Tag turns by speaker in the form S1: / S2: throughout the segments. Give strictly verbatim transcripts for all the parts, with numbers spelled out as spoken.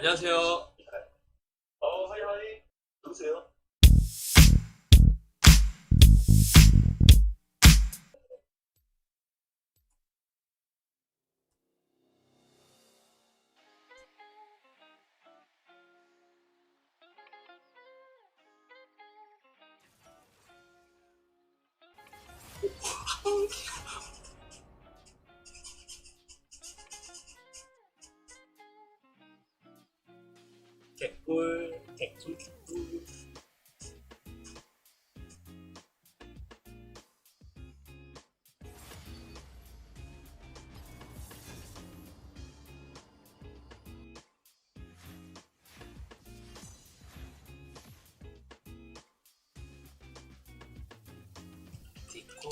S1: 안녕하세요.
S2: 어, 하이 하이. 누구세요?
S1: 개꿀, 개꿀, 개꿀. 디코,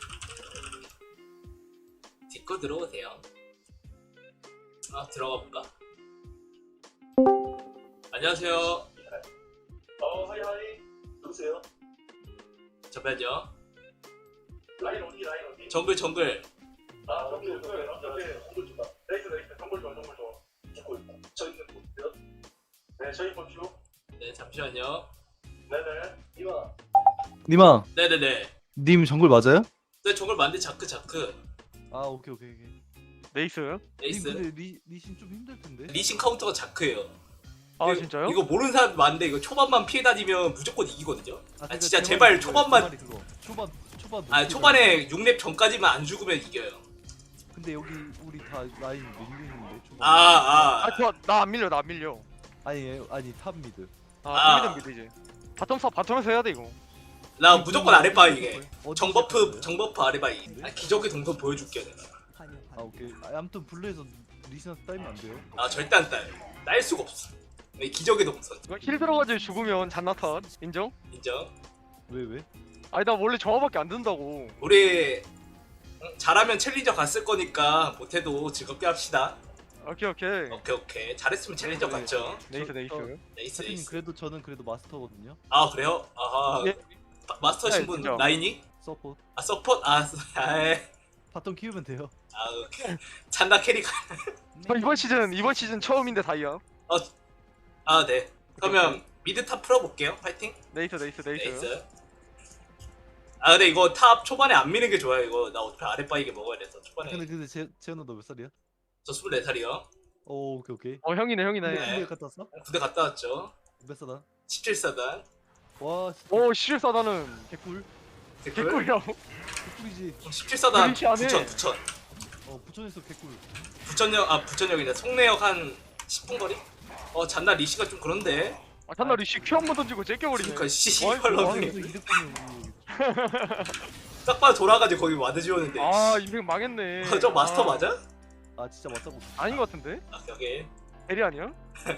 S1: 디코 들어오세요. 아, 들어가 볼까? 안녕하세요.
S2: 어, 하이 하이. 누구세요?
S1: 잠깐만요.
S2: 라인 어디 라인 어디?
S1: 정글, 정글.
S2: 아, 정글 정글 정글 정글 좋다. 레이스 레이스 정글 좋아 정글 좋아. 듣고 있다. 저 있는 곳이요? 네, 저희 보시오.
S1: 네, 잠시만요.
S2: 네네. 이마.
S3: 니마,
S1: 네네네.
S3: 님 정글 맞아요?
S1: 네, 정글 만데 자크, 자크.
S3: 아 오케이 오케이 오케이.
S4: 레이스요?
S1: 에이스.
S3: 님 근데 리 리신 좀 힘들 텐데.
S1: 리신 카운터가 자크예요.
S4: 아
S1: 이거-
S4: 진짜요?
S1: 이거 모르는 사람 많은데 이거 초반만 피해 다니면 무조건 이기거든요. 아,
S3: 그러니까
S1: 진짜
S3: 제
S1: 제발
S3: 말이
S1: 초반만.
S3: 그거예요, 제 말이 그거. 초반 초반.
S1: 아,
S3: 높게
S1: 초반에 육 렙 전까지만 안 죽으면 이겨요.
S3: 가요. 근데 여기 우리 다 라인 밀리는데 초반.
S1: 아, 아.
S4: 아저 나 안 밀려 나 안 밀려.
S3: 아니 아니 탑 미드.
S1: 아.
S4: 아 미드 미드 이제 바텀 바텀에서 해야 돼 이거.
S1: 나 무조건 아랫바 이게.
S3: 어디
S1: 정버프,
S3: 시작했어요?
S1: 정버프 아랫바이. 아, 기적의 동선 보여줄게 내가.
S3: 아 오케이. 아, 아무튼 블루에서 리신한테 따이면 안 돼요.
S1: 아, 절대 안 딸. 딸 수가 없어. 이 기적의 동선.
S4: 이거 힐 들어가지고 죽으면 잔나탄 인정?
S1: 인정.
S3: 왜 왜?
S4: 아니 나 원래 저거밖에 안 든다고.
S1: 우리 응, 잘하면 챌린저 갔을 거니까 못해도 즐겁게 합시다.
S4: 오케이 오케이.
S1: 오케이, 오케이. 잘했으면 챌린저
S3: 네.
S1: 갔죠.
S4: 레이스
S3: 저-
S4: 레이스.
S3: 저-
S1: 네이스,
S3: 사장님
S1: 네이스.
S3: 그래도 저는 그래도 마스터거든요.
S1: 아, 그래요? 아하.
S4: 예.
S1: 마- 마스터신
S4: 네,
S1: 분
S4: 진짜.
S1: 라인이?
S3: 서포트.
S1: 아, 서폿? 아, 아이.
S3: 바텀 키우면 돼요.
S1: 아, 오케이. 잔나 캐릭.
S4: 저 이번 시즌 이번 시즌 처음인데 다이아.
S1: 아, 네. 그러면 미드 탑 풀어볼게요. 파이팅.
S4: 레이스 레이스 레이스.
S1: 네이스. 아, 근데 이거 탑 초반에 안 미는 게 좋아요. 이거 나 어차피 아랫바이게 먹어야 돼서 초반에.
S3: 근데 근데 제 재현아 너 몇 살이야?
S1: 저 스물네 살이요.
S3: 오 오케이 오케이.
S4: 어 형이네 형이네.
S3: 근데
S1: 네.
S3: 군대 갔다 왔어?
S1: 군대 갔다 왔죠.
S3: 몇 살아?
S1: 십칠 사단.
S3: 와 진짜
S4: 오 실사다는
S3: 개꿀.
S4: 개꿀이라고.
S3: 개꿀이지.
S1: 십칠 사단
S4: 그렇지 않네.
S1: 부천, 부천.
S3: 어 부천에서 개꿀.
S1: 부천역, 아, 부천역이네. 송내역 한 십 분 거리? 어, 잔나 리시가 좀 그런데.
S4: 아 잔나 리시 큐 한 번 던지고 째껴버리네.
S1: 그러니까
S4: 어이,
S1: 씨발놈이
S3: 그래서 이득 보면
S1: 딱 봐도 돌아가지고 거기 와드 지웠는데.
S4: 아 인생 망했네.
S1: 어, 저 마스터
S4: 아,
S1: 맞아?
S3: 아 진짜 맞다고.
S4: 아닌 것 같은데?
S1: 아, 여기.
S4: 대리 아니야?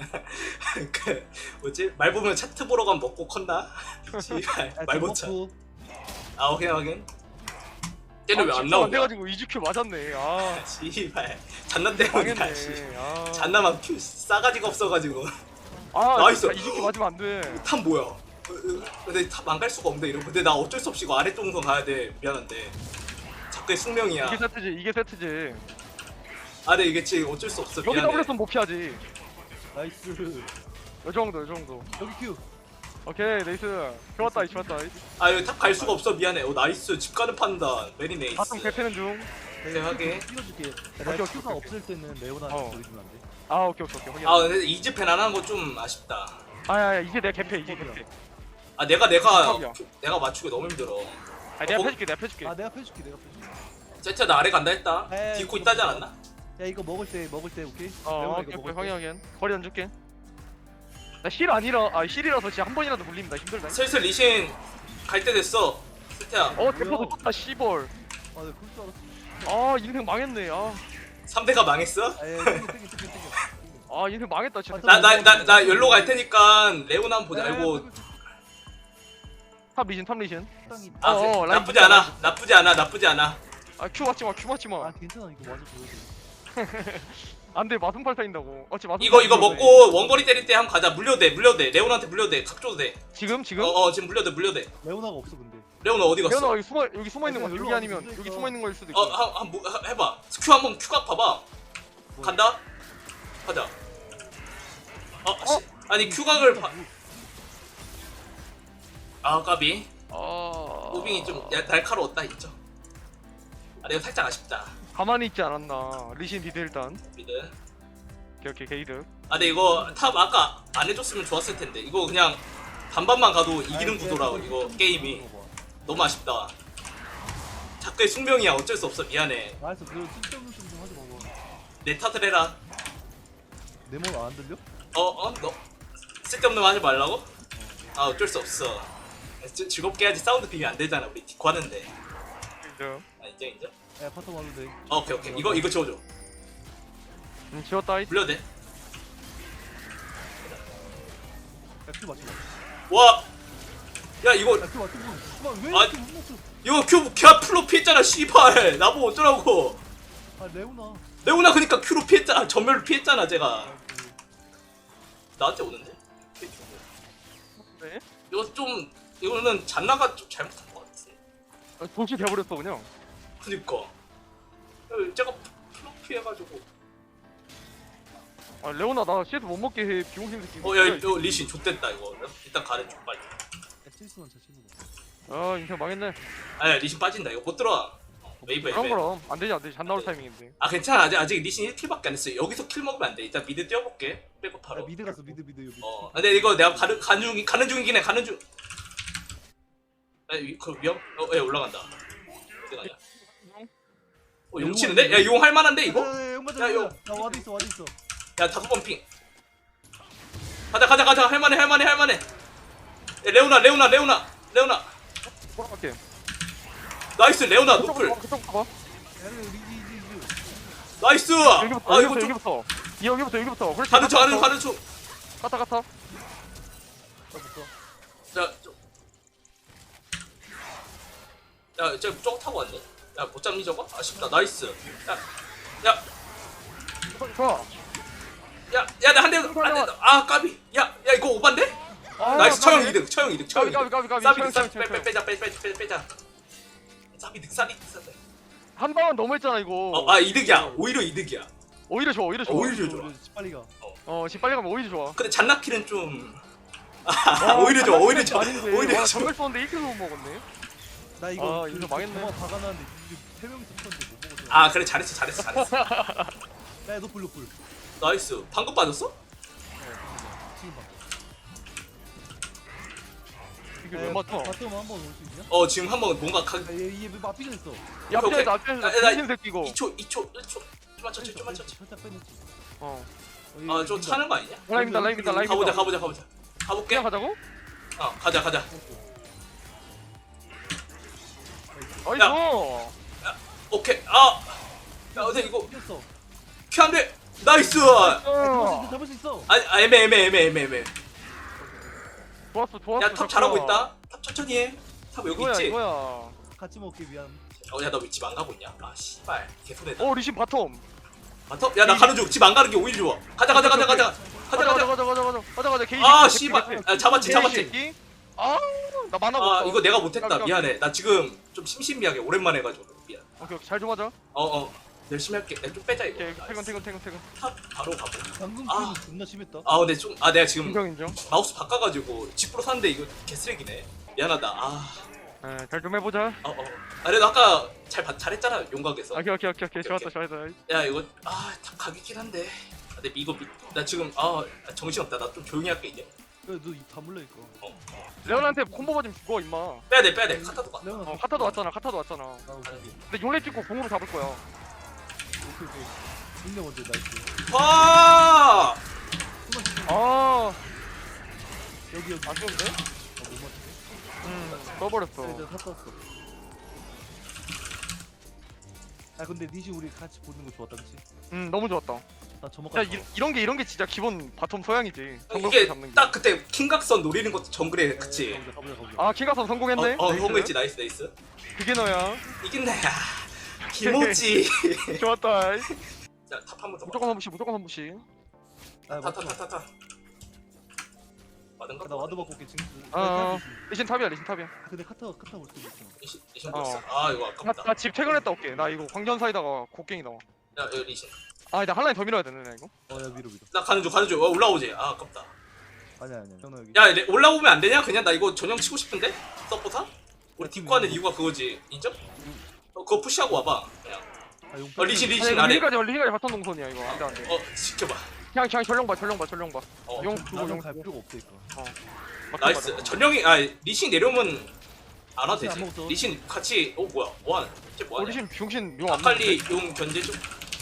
S1: 그 뭐지? 말 보면 차트 보러 가면 먹고 컸나? 씨발 말 못 차. 아, 확인 확인. 쟤는 왜 안
S4: 안
S1: 나오냐?
S4: 돼가지고 이즈 큐 맞았네. 아
S1: 씨발 잔나 때문이야. 씨.
S4: 망했네. 아,
S1: 잔나만 큐 싸가지가 없어가지고.
S4: 아
S1: 나이스.
S4: 이즈 큐 맞으면 안 돼.
S1: 탑 뭐야? 어, 어, 근데 탑 안 갈 수가 없네 이러고. 근데 나 어쩔 수 없이 이거 아래 동선 가야 돼. 미안한데. 자꾸의 숙명이야.
S4: 이게 세트지, 이게 세트지.
S1: 아, 근데 이게 지금 어쩔 수 없어.
S4: 여기
S1: 미안해.
S4: 더블했으면 못 피하지.
S3: 나이스.
S4: 요 정도, 요 정도.
S3: 여기 큐.
S4: 오케이, 네이스. 좋았다, 이 좋았다.
S1: 아, 여기 탑 갈 수가 없어. 미안해. 오, 나이스. 집 가는 판단. 베리 네이스.
S4: 바텀 개패는 중.
S3: 네,
S1: 네, 하게.
S3: 띄워줄게.
S4: 오케이,
S3: 내가
S4: 오케이,
S3: 큐가
S4: 오케이.
S3: 없을 때는 레오나한테
S4: 어.
S3: 보여주면 안 돼?
S4: 아, 오케이, 오케이, 오케이. 확인.
S1: 아, 근데 이즈펜 안 하는 거 좀 아쉽다.
S4: 아, 야, 야, 이게 내 개패, 이게 개패.
S1: 아, 내가 내가
S4: 탑이야.
S1: 내가 맞추기 너무 힘들어.
S4: 아, 내가
S1: 어,
S4: 펴줄게, 내가 펴줄게.
S3: 아 내가 펴줄게 내가 펴줄게.
S1: 세트 나 아래 간다 했다.
S3: 에이,
S1: 디코
S3: 그거
S1: 있다지
S3: 그거.
S1: 않았나?
S3: 야 이거 먹을 때 먹을 때 오케이?
S4: 어,
S3: 레오나
S4: 오케이,
S3: 이거
S4: 오케이,
S3: 먹을
S4: 확인,
S3: 때.
S4: 확인. 거리 안 줄게. 나 힐 아니라, 아, 힐이라서 진짜 한 번이라도 물립니다. 힘들다.
S1: 슬슬 리신 갈 때 됐어. 세트야.
S4: 어, 대포도 떴다, 씨벌.
S3: 아 내가 그럴 줄 알았어.
S4: 아, 인생 망했네. 아,
S1: 삼 대가 망했어?
S3: 아 예, 땡겨 땡겨 땡겨 땡겨.
S4: 아, 인생 망했다, 진짜.
S1: 나 나 나 나 연로 갈 테니까 레오나 한번 보자. 아이고.
S4: 탑 리신, 탑 리신.
S3: 적당히.
S1: 아,
S4: 어,
S1: 세-
S4: 어, 라인
S1: 나쁘지
S4: 진짜
S1: 않아. 나쁘지 않아. 나쁘지 않아.
S4: 아, 큐 맞지 마, 큐 맞지 마.
S3: 아 괜찮아 이거 맞아 보여줘.
S4: 안 돼, 마순팔 타인다고. 어찌 마순팔
S1: 이거 이거
S4: 타인다고
S1: 먹고 원거리 때릴 때 한번 가자. 물려도 돼. 물려도 돼. 레오나한테 물려도 돼. 각 줘도 돼.
S4: 지금, 지금?
S1: 어, 어 지금 물려도 돼. 물려도 돼.
S3: 레오나가 없어 근데.
S1: 레오나 어디 갔어?
S4: 태연아 여기 숨어 여기 숨어 있는 거
S3: 아니,
S4: 여기
S3: 일로
S4: 아니면
S3: 와서
S4: 여기
S3: 있어.
S4: 숨어 있는 거일 수도 있고.
S1: 어, 한, 한, 뭐, 하- 해봐. 큐 한번 큐각 봐봐.
S3: 뭐.
S1: 간다. 가자. 어, 씨. 아니 큐각을 봐. 아 까비.
S4: 어...
S1: 무빙이 좀 야, 날카로웠다 있죠. 아 내가 살짝 아쉽다.
S4: 가만히 있지 않았나. 리신 미드 일단.
S1: 미드.
S4: 오케이 오케이 게이드.
S1: 아 근데 이거 탑 아까 안 해줬으면 좋았을 텐데 이거 그냥 반반만 가도 이기는 구도라 이거 게임이 너무 아쉽다. 자꾸의 숙명이야 어쩔 수 없어 미안해.
S3: 알았어 그거 쓸데없는 소리 좀 하지 마봐.
S1: 내 탓을 해라.
S3: 내 말 안 들려?
S1: 어어 너 쓸데없는 거 하지 말라고? 아 어쩔 수 없어. 즐- 즐겁게 해야지 사운드 비면 안 되잖아 우리 디코 하는데.
S4: 게이드.
S1: 아 인정 인정?
S3: 야 파터 와도 돼.
S1: 어, 오케이 오케이 이거 이거 지워줘.
S4: 음 지웠다 이.
S1: 불려도 돼?
S3: 야큐 맞춰.
S1: 와! 야 이거
S3: 야큐 맞춰. 씨발 왜
S1: 아,
S3: 이렇게 못 맞춰?
S1: 이거 큐 큐 플로 피했잖아 씨발. 나보고 어쩌라고.
S3: 아 레오나.
S1: 레오나 그니까 큐로 피했잖아. 전멸로 피했잖아 제가.
S3: 아, 그,
S1: 나한테 오는데?
S4: 네?
S1: 이거 좀 이거는 잔나가 좀 잘못한 것 같아.
S4: 아, 도시 돼버렸어 그냥.
S1: 그니까 어, 제가 플로 피해가지고.
S4: 아 레오나 나 씨에서 못 먹게 해 비용심 새끼.
S1: 어야 이거 리신 좆됐다 이거. 일단 가래 좀 빨리.
S3: 야 칠수만 잘 치는 거.
S4: 아 인생 망했네.
S1: 아야 리신 빠진다 이거 못 들어와. 웨이브
S4: 그럼
S1: 웨이브.
S4: 그럼 안 되지 안 되지. 잔 나올 타이밍인데.
S1: 아 괜찮아 아직 아직 리신 일 킬밖에 안 했어. 여기서 킬 먹으면 안 돼. 일단 미드 뛰어볼게. 빼고
S3: 야
S1: 바로.
S3: 미드 갔어 미드 미드 여기.
S1: 어, 근데 이거 내가 가는 가는 중 가는 중이긴 해. 가는 중. 아, 위, 그 위험? 어, 예 올라간다. 어디 가냐? 어, 용 치는데? 야, 용 할만한데 이거?
S3: 야 맞아.
S1: 야, 이거.
S3: 야 와드 있어 와드 있어.
S1: 야, 다섯 번 핑. 가자, 가자, 가자. 할만해, 할만해, 할만해. 야, 레오나, 레오나, 레오나, 레오나.
S4: 돌아갈게.
S1: 나이스, 레오나 노플.
S4: 그쪽부터 봐.
S3: 야 리지 리지 리지.
S1: 나이스.
S4: 여기부터
S1: 아, 이거
S4: 여기부터
S1: 좀
S4: 여기부터. 이 여기부터 여기부터. 그렇지.
S1: 가는 중, 가는 중, 가는 중.
S4: 갔다 갔다.
S3: 야 붙어.
S1: 자, 저. 야, 쟤 저거 타고 왔네. 야, 못 잡니 저거? 아쉽다. 나이스. 야, 야.
S4: 좋아.
S1: 야, 야, 나 한 대, 안 돼. 아, 까비. 야, 야, 이거 오반데?
S4: 아,
S1: 나이스,
S4: 까비.
S1: 처형 이득, 처형 이득, 처형
S4: 까비
S1: 이득.
S4: 까비 까비 까비.
S1: 싸비,
S4: 처형,
S1: 싸비,
S4: 처형,
S1: 빼, 빼,
S4: 처형.
S1: 빼자, 빼, 빼, 빼, 빼자. 싸비 득, 싸비 득, 싸비.
S4: 한 방은 너무했잖아 이거.
S1: 어, 아 이득이야. 오히려 이득이야.
S4: 오히려 좋아 오히려 좋아.
S1: 오히려 좋아.
S3: 빨리 가.
S4: 어 지금 빨리 가면 오히려 좋아.
S1: 근데 잔나키는 좀. 아, 오히려 좋아, 오히려 좋아,
S4: 아닌데.
S1: 오히려
S4: 와,
S1: 좋아.
S4: 정글 쏘는데 일 킬도 못 먹었네.
S3: 나 이거
S4: 아, 이거 망했네.
S3: 정말 다 가는데 세 명이서 쳤는데 못 먹었어.
S1: 아, 그래 잘했어, 잘했어, 잘했어.
S3: 야 노플 노플.
S1: 나이스. 방금 빠졌어?
S3: 지금 봐.
S4: 이게 왜 맞춰?
S3: 바텀 한번 올 수 있냐?
S1: 어, 지금 한번 뭔가 가.
S3: 야얘얘 맞비전 했어.
S1: 오케이.
S4: 앞에서
S1: 아,
S4: 앞에서
S1: 나-
S4: 미친 새끼고.
S1: 이 초, 이 초, 일 초. 좀만 천천히, 좀만 천천히.
S3: 살짝 빼냈지.
S4: 어.
S1: 아, 저 차는 거 아니냐?
S4: 라임이다 라임이다 라임이다.
S1: 가보자, 가보자, 가보자. 가볼게.
S4: 그냥 가자고?
S1: 어, 가자, 가자.
S4: 나이스.
S1: 오케이. 아, 야, 근데 이거
S3: 이겼어.
S1: 큐 안 돼. 나이스.
S4: 어.
S3: 잡을 수 있어.
S1: 아, 아 애매, 애매, 애매, 애매, 애매.
S4: 좋았어 좋았어.
S1: 야, 탑 잘하고 있다. 탑 천천히 해. 탑 여기
S4: 이거야
S1: 있지.
S4: 이거야.
S3: 같이 먹기 위한.
S1: 어, 야, 너 왜 집 안 가고 있냐? 아, 씨발. 개소리다.
S4: 어 리신 바텀.
S1: 바텀? 야, 나 가는 중. 집 안 가는 게 오히려 좋아. 가자, 가자, 가자, 가자. 가자,
S4: 가자
S1: 가자.
S4: 가자 가자 가자 가자 가자 게이지.
S1: 아,
S4: 게이지,
S1: 씨발.
S4: 게이지.
S1: 아, 잡았지,
S4: 게이지
S1: 잡았지.
S4: 새끼. 아나 만화
S1: 아,
S4: 없어.
S1: 이거 내가 못했다.
S4: 깜깜.
S1: 미안해. 나 지금 좀 심심미하게 오랜만에 해가지고. 미안.
S4: 오케이 오케이 잘좀 하자.
S1: 어, 어. 열심히 할게. 야, 좀 빼자, 이거.
S4: 오케이 퇴근 퇴근 퇴근 퇴근.
S1: 탑 바로 가고.
S3: 방금
S1: 아.
S3: 게임 존나 심했다.
S1: 아, 근데 좀, 아, 내가 지금
S4: 인정 인정.
S1: 마우스 바꿔가지고 집으로 샀는데 이거 개쓰레기네. 미안하다. 아,
S4: 잘좀 해보자.
S1: 어, 어. 아, 그래도 아까 잘, 봐- 잘했잖아. 용각에서.
S4: 오케이 오케이 오케이 오케이 좋았다 좋았다.
S1: 야, 이거, 아, 탑 가겠긴 한데. 아, 근데 이거, 미- 나 지금, 아, 정신없다. 나 좀 조용히 할게, 이제.
S3: 너입다 물려 있고.
S1: 어.
S4: 레온한테 콤보 맞으면 죽어 임마.
S1: 빼야돼, 빼야돼. 카타도 가.
S3: 레오나.
S4: 어 카타도 왔잖아 카타도 왔잖아.
S3: 아 오케이 오케이.
S4: 근데 용례 찍고 공으로 잡을 거야.
S3: 오케이 오케이. 인내 먼저 나이스.
S1: 와!
S3: 숨만 쉬고.
S4: 아
S3: 여기 여기.
S4: 안 좋은데?
S3: 아못 맞추네.
S4: 음 떠버렸어.
S3: 이제 탔었어 아 근데 니시 우리 같이 보는 거 좋았다 그치?
S4: 음 너무 좋았다.
S3: 나 저먹.
S4: 야 이, 이런 게 이런 게 진짜 기본 바텀 소양이지. 정글
S1: 이게
S4: 잡는 게.
S1: 딱 그때 킹각선 노리는 것도 정글에, 그치?
S3: 가보자 가보자 가보자.
S4: 아 킹가선 성공했네.
S1: 어, 어,
S4: 나이스.
S1: 성공했지. 나이스, 나이스.
S4: 그게 너야.
S1: 이긴 나야. 김오지.
S4: 좋았다.
S1: 자, 탑 한번 더.
S4: 무조건 한 번씩 무조건 한 번씩.
S3: 아
S1: 타, 타,
S3: 맞다.
S1: 타, 타, 타. 맞은가?
S3: 나 와드 받고 올게 지금.
S4: 어 리신 탑이야 리신 탑이야.
S3: 아, 근데 카타 카타 올 수도 있어.
S1: 리신, 리신
S4: 어.
S1: 보였어. 아, 이거 아깝다.
S4: 나집 퇴근했다 올게. 나 이거 광전 사이다가 곡괭이 나와.
S1: 야, 여기 리신.
S4: 아, 나 한 라인 더 밀어야 되네, 나 이거.
S3: 어야 밀어 밀어.
S1: 나 가는 중 가는 중. 어, 올라오지. 아 아깝다.
S3: 아니야 아니야. 현우 여기.
S1: 야 레- 올라오면 안 되냐? 그냥 나 이거 전용 치고 싶은데 서포터? 우리 뒷고 하는 이유가 그거지. 인정? 어 그거 푸시하고 와봐. 그냥.
S3: 아, 용
S1: 어 리신
S4: 아니,
S1: 리신
S4: 이거
S1: 아래.
S4: 리신까지, 리신까지 바텀 동선이야, 이거. 안 돼, 안 돼.
S1: 어 지켜봐.
S4: 그냥, 그냥 전령 봐, 전령 봐, 전령 봐.
S1: 어.
S4: 용 두고,
S3: 나는
S4: 용
S3: 갈
S4: 두고.
S3: 필요가 없어 이거.
S4: 막
S1: 나이스.
S4: 맞아.
S1: 전령이 아 리신 내려오면 안 와도
S3: 리신 안
S1: 되지.
S3: 먹었어.
S1: 리신 같이 어 뭐야 뭐하는? 쟤
S4: 어,
S1: 뭐하냐?
S4: 리신, 병신, 용안
S1: 아칼리 용 견제 좀.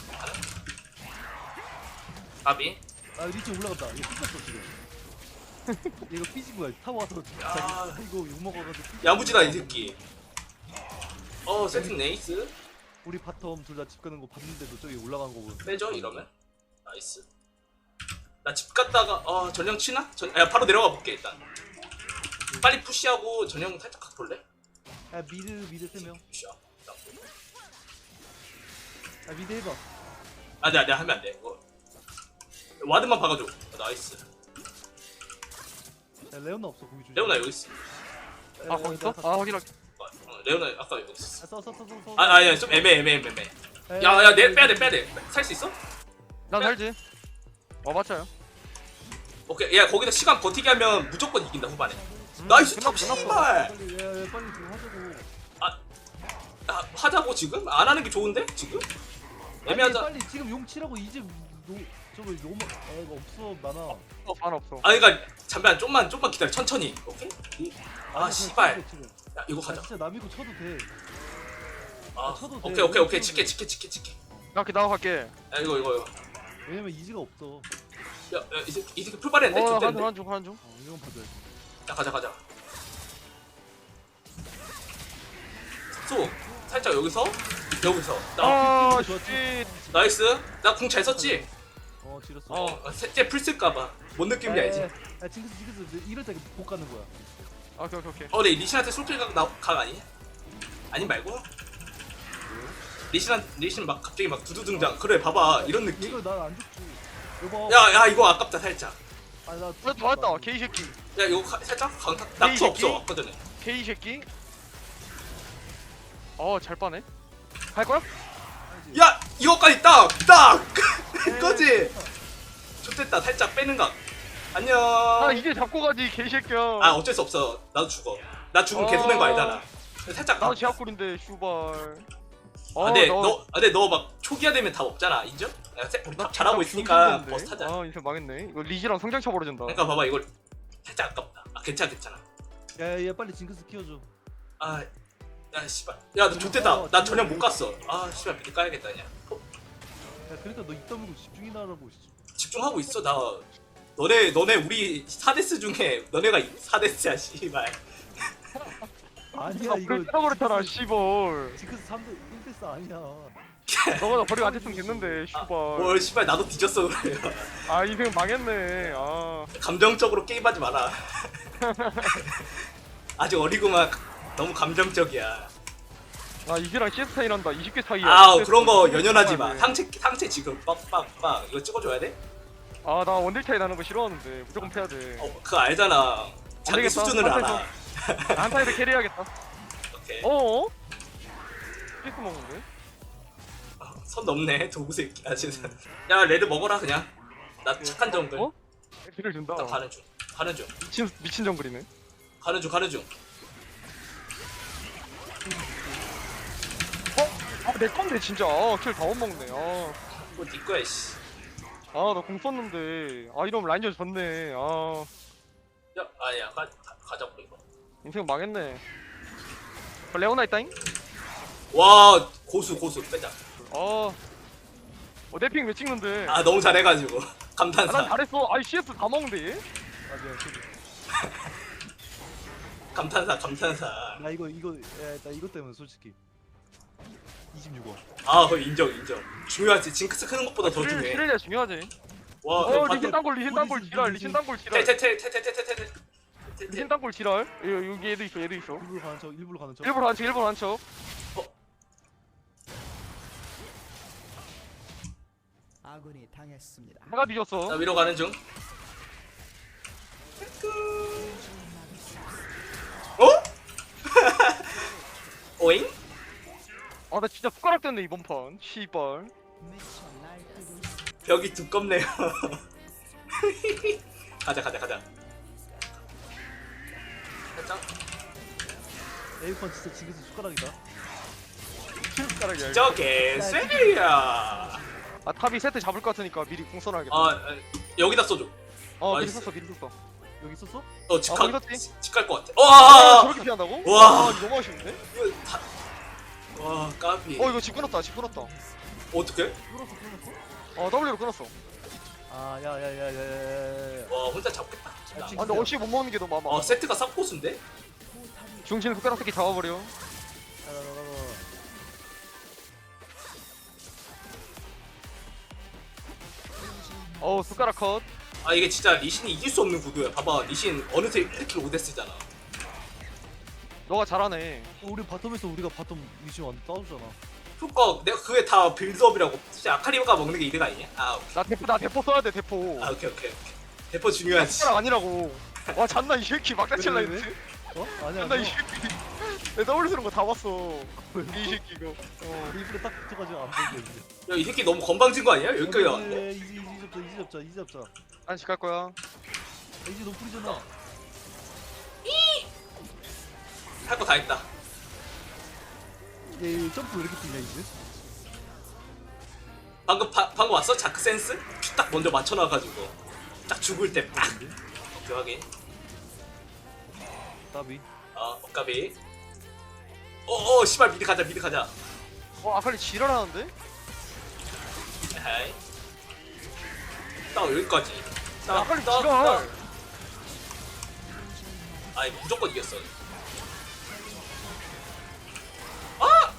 S1: 아비.
S3: 아 리치 올라갔다. 이거 삐졌어 지금. 이거 삐지고야. 타고 와서
S1: 야.
S3: 자기 이거 욕 먹어가지고. 삐-
S1: 야무지다 이 새끼. 어 세팅 네이스.
S3: 우리 바텀 둘 다 집 가는 거 봤는데도 저기 올라간 거 보면.
S1: 빼죠 이러면. 나이스. 나 집 갔다가 어 전령 치나? 전, 야 바로 내려가 볼게 일단. 빨리 푸시하고 전령 살짝 갖고 볼래?
S3: 야 미드 미드 세 명.
S1: 푸시야.
S3: 야 미드 해봐.
S1: 아 내가 내가 하면 안 돼. 이거 와드만 박아줘. 어, 나이스.
S3: 야 레오나 없어 거기 조심.
S1: 레오나 여기 있어.
S4: 아, 거기 있어? 아, 확인할게.
S1: 어, 레오나 아까 여기 있었어.
S3: 써써써 써. 써.
S1: 아 아니야 좀 애매 애매 애매. 야야 내 빼야 돼 빼야 돼. 살 수 있어?
S4: 난 살지. 어, 맞아요.
S1: 오케이. 야 거기다 시간 버티게 하면 무조건 이긴다 후반에. 나이스 탑
S4: 끝났어,
S1: 씨발.
S3: 빨리 야, 야 빨리 지금 하자고.
S1: 아, 하자고 지금? 안 하는 게 좋은데 지금?
S3: 아니,
S1: 애매하자.
S3: 빨리 지금 용 치라고 이제 노 저거 요마 애가 없어 많아.
S4: 어, 안 없어.
S1: 아 그니까 잠깐 좀만 좀만 기다려 천천히. 오케이? 이- 아
S3: 아니,
S1: 씨발.
S3: 그냥 치고, 치고.
S1: 야 이거
S3: 아,
S1: 가자.
S3: 진짜 남이고 쳐도 돼.
S1: 아
S3: 쳐도 돼.
S1: 오케이 오케이 오케이
S3: 쳐도
S1: 치게
S3: 돼.
S1: 치게 치게 치게.
S4: 나 이렇게 나갈게.
S1: 야 이거 이거 이거.
S3: 왜냐면 이지가 없어.
S1: 야이 새끼 이 새끼 풀발했네.
S4: 어, 한 중,
S1: 좋댔네.
S4: 한 중, 한 중.
S3: 어, 이건 봐줘야 돼.
S1: 자 가자 가자. 소 살짝 여기서 여기서 나
S4: 아,
S3: 좋았지.
S4: 씨.
S1: 나이스. 나 궁 잘 썼지.
S3: 어 지렸어.
S1: 어 셋째 풀 쓸까봐. 뭔 느낌인지 알지?
S3: 야 징크스 징크스 이럴 때 복 가는 거야.
S4: 아, 오케이, 오케이, 오케이.
S1: 어, 네 리신한테 솔킬 각, 나, 각 아니냐? 아니 말고? 리신한 리신 막 갑자기 막 두두 등장. 그래 봐봐 이런 느낌.
S3: 이거 난안 죽지. 이거.
S1: 야, 야 이거 아깝다 살짝.
S3: 아니 나.
S4: 어, 다 왔다. 개이 새끼.
S1: 야 이거 가, 살짝 강타
S4: 이
S1: 낙투
S4: 새끼?
S1: 없어 아까 전에.
S4: 개이 새끼. 어, 잘 빠네. 갈 거야?
S1: 야 이거까지 딱딱 이거지. 좋됐다 살짝 빼는 각. 안녕.
S4: 아, 이제 잡고 가지, 개이 새끼야.
S1: 아 어쩔 수 없어. 나도 죽어. 나 죽으면
S4: 어.
S1: 계속 낸거 알잖아. 살짝 가.
S4: 나도 제압골인데, 슈발. 어,
S1: 아, 근데
S4: 너-
S1: 너, 아, 근데 너 막 초기화 되면 답 없잖아. 인정? 야, 세- 우리
S4: 나
S1: 탑 잘하고
S4: 나
S1: 있으니까
S4: 병신인데?
S1: 버스 타자.
S4: 아, 인생 망했네. 이거 리지랑 성장 쳐버려진다.
S1: 그러니까 봐봐 이걸 살짝 아깝다. 아 괜찮아 괜찮아.
S3: 야야 빨리 징크스 키워줘.
S1: 아, 야 씨발. 야, 너 좋댔다. 나 전혀 못 갔어. 아, 씨발 미리 까야겠다 그냥. 어,
S3: 야 그러니까 너 입다물고 집중이나 하라고. 씨.
S1: 집중하고 있어 나. 너네 너네 우리 사 데스 중에 너네가 사 데스야 씨발.
S3: 아니야
S4: 아,
S3: 이거.
S4: 그래, 그렇잖아, 씨발.
S3: 징크스 삼 대 일 대 사 아니야.
S4: 너가 나 버리고 안 됐으면 됐는데, 씨발.
S1: 뭘 씨발 나도 뒤졌어 그래.
S4: 아, 인생 망했네. 아.
S1: 감정적으로 게임하지 마라. 아직 어리구만. 너무 감정적이야.
S4: 아, 이제랑 씨에스 차이란다. 이십 개 차이야.
S1: 아
S4: 씨에스
S1: 그런 거
S4: 차이.
S1: 연연하지 마.
S4: 네.
S1: 상체 상체 지금 빡빡빡 이거 찍어줘야 돼?
S4: 아, 나 원딜 차이 나는 거 싫어하는데 무조건 패야 돼.
S1: 어 그거 알잖아. 자기
S4: 되겠다.
S1: 수준을
S4: 한타에서-
S1: 알아.
S4: 한 타이드 캐리해야겠다.
S1: 오케이.
S4: 어어? 씨에스 먹는데?
S1: 선 넘네 도구 새끼. 아 진짜. 야 레드 먹어라 그냥. 나 착한 정글.
S4: 어? 딜을 준다.
S1: 나 가는 중. 가는 중.
S4: 미친 미친 정글이네.
S1: 가는 중 가는 중.
S4: 아, 내 건데 진짜. 아, 킬 다 못 먹네. 아,
S1: 이거 네 거야 씨.
S4: 아, 나 공 썼는데. 아, 이러면 라인전 졌네. 아,
S1: 야 아니야 가 가- 가자고 이거.
S4: 인생 망했네. 아, 레오나 있다잉?
S1: 와 고수 고수 빼자.
S4: 아, 어, 내핑 왜 찍는데?
S1: 아 너무 잘해가지고
S4: 아, 난
S1: 감탄사.
S4: 잘했어. 아이 씨에스 다 먹는데 얘?
S3: 맞아.
S1: 감탄사 감탄사.
S3: 나 이거 이거 야나 이것 때문에 솔직히. 이십육 원.
S1: 아 거의 인정 인정. 중요하지. 징크스 크는 것보다 더 중요해.
S4: 스릴리아 중요하지.
S1: 와
S4: 어, 리신 땅골, 리신 땅골
S3: 리신,
S4: 지랄,
S3: 리신.
S4: 리신 땅골 지랄.
S1: 테테테테테테테테.
S4: 리신 땅골 지랄. 여기, 여기 얘도 있어, 얘도 있어.
S3: 일부러 가는 척 일부러 가는 척.
S4: 일부러 한 척, 일부러 한 척.
S5: 아군이 당했습니다.
S4: 해가 뒤졌어.
S1: 나 위로 가는 중. 어? 오잉?
S4: 아, 나 진짜 숟가락 됐네 이번 판. 씨발.
S5: 미쳐 날뛰고
S1: 벽이 두껍네요. 가자 가자 가자. 살짝.
S3: 에이컨 진짜 지그시 숟가락이다.
S4: 숟가락이야.
S1: 저 개쎄야.
S4: 아 탑이 세트 잡을 것 같으니까 미리 공 써놔야겠다.
S1: 아 아, 여기다 써줘.
S4: 어 미리
S1: 나이스.
S4: 썼어 미리 썼어.
S3: 여기 있었어?
S1: 어
S4: 아,
S1: 직갈
S4: 거기 썼지?
S1: 직갈 것 같아.
S4: 아,
S1: 와.
S4: 저렇게 피한다고?
S1: 와.
S4: 아, 이거 너무 아쉬운데?
S1: 이거 다. 와 까비.
S4: 어 이거 집 끊었다 집 끊었다.
S1: 어떻게?
S3: 끊었어 끊었어?
S4: 어 W로 끊었어.
S3: 아 야야야야야야야.
S1: 와 혼자 잡겠다.
S3: 아,
S4: 아 근데 어시 못 먹는 게 너무 아마.
S1: 어 세트가 쌉고수인데?
S4: 중심 숟가락 새끼 잡아버려.
S3: 나나나나.
S4: 어우 숟가락 컷.
S1: 아 이게 진짜 리신이 이길 수 없는 구도야. 봐봐 리신 어느새 일 킬 오 데스잖아.
S4: 너가 잘하네.
S3: 우리 바텀에서 우리가 바텀 위치 완전 따주잖아.
S1: 그니까 내가 그게 다 빌드업이라고. 진짜 아카리오가 먹는 게 이득 아니냐? 아 오케이.
S4: 나 대포 나 대포 써야 돼 대포.
S1: 아 오케이 오케이 오케이. 대포 중요하지.
S4: 숟가락 아니라고. 와 잔나 이 새끼 막다칠라
S3: 왜, 왜,
S4: 했지.
S3: 어? 아니야.
S4: 잔나 이
S3: 너
S4: 새끼. 내 W 쓰는 거 다 봤어.
S3: 왜?
S4: 이 새끼 이거. 어.
S3: 입술에 딱 붙어가지고 안 보이게 이제.
S1: 야 이 새끼 너무 건방진 거 아니야? 여기까지
S3: 야,
S1: 왔는데?
S3: 야, 야, 이제 이제 잡자 이제 잡자 이제 잡자.
S4: 안식 갈 거야.
S3: 이제 노플이잖아.
S1: 할 거 다 했다.
S3: 얘, 얘 점프 왜 이렇게 뛰냐 이제?
S1: 방금 바, 방금 왔어? 자크 센스? 큐 딱 먼저 맞춰놔가지고 딱 죽을 때 빡. 오케이 확인.
S3: 나비.
S1: 어 억까비. 어어 씨발 미드 가자 미드 가자.
S4: 어 아칼리 지랄하는데?
S1: 에이. 딱 여기까지.
S4: 야, 아칼리
S1: 딱,
S4: 지랄.
S1: 딱. 아이 무조건 이겼어. 아!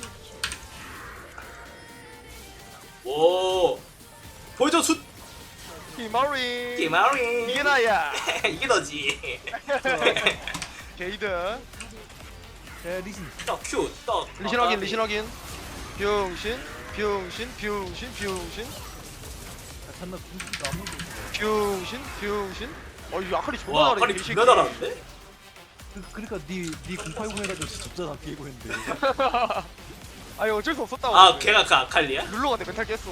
S1: 오 보여줘 숫
S4: 히마리.
S1: 기마리.
S4: 이게 나야.
S1: 이게 너지.
S4: 게이드.
S3: 야 리신.
S1: 떡큐 떡.
S4: 리신 확인 리신 확인. 병신 병신 병신 병신
S3: 야 잔나 궁수가 아무도 없어.
S4: 병신 병신. 어 이거 아칼리 존나
S1: 와
S4: 잘해.
S1: 빨리
S4: 이 새끼.
S1: 존나 잘하는데?
S3: 그, 그러니까 니니 공팔공 해가지고 접잖아 비에고 했는데.
S4: 아니 어쩔 수 없었다고.
S1: 아 걔가 그 아칼리야?
S4: 룰러 갔는데 멘탈 깼어.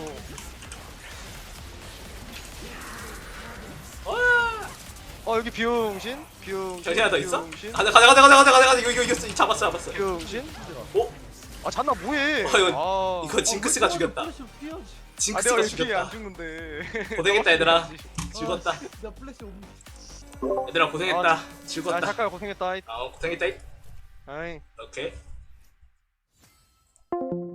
S1: 와
S4: 어 여기 병신 병신.
S1: 정신 하나 더 있어?
S4: 병신
S1: 가자 가자 가자 가자 가자 가자 가자 이거 이거 이겼어 잡았어 잡았어.
S4: 병신.
S1: 어?
S4: 아 잔나 뭐해?
S1: 어, 이거-
S4: 아.
S1: 이거 징크스가 죽였다.
S3: 플래시 피하지.
S4: 아
S1: 징크스가
S4: 내가 이렇게 안
S1: 죽였다.
S4: 죽는데.
S1: 고생했다 얘들아. 즐겁다.
S3: 아, 나 플래시 없는.
S1: 얘들아 고생했다.
S4: 아
S1: 즐겁다.
S4: 잠깐 고생했다.
S1: 아 고생했다.
S4: 아이.
S1: 오케이.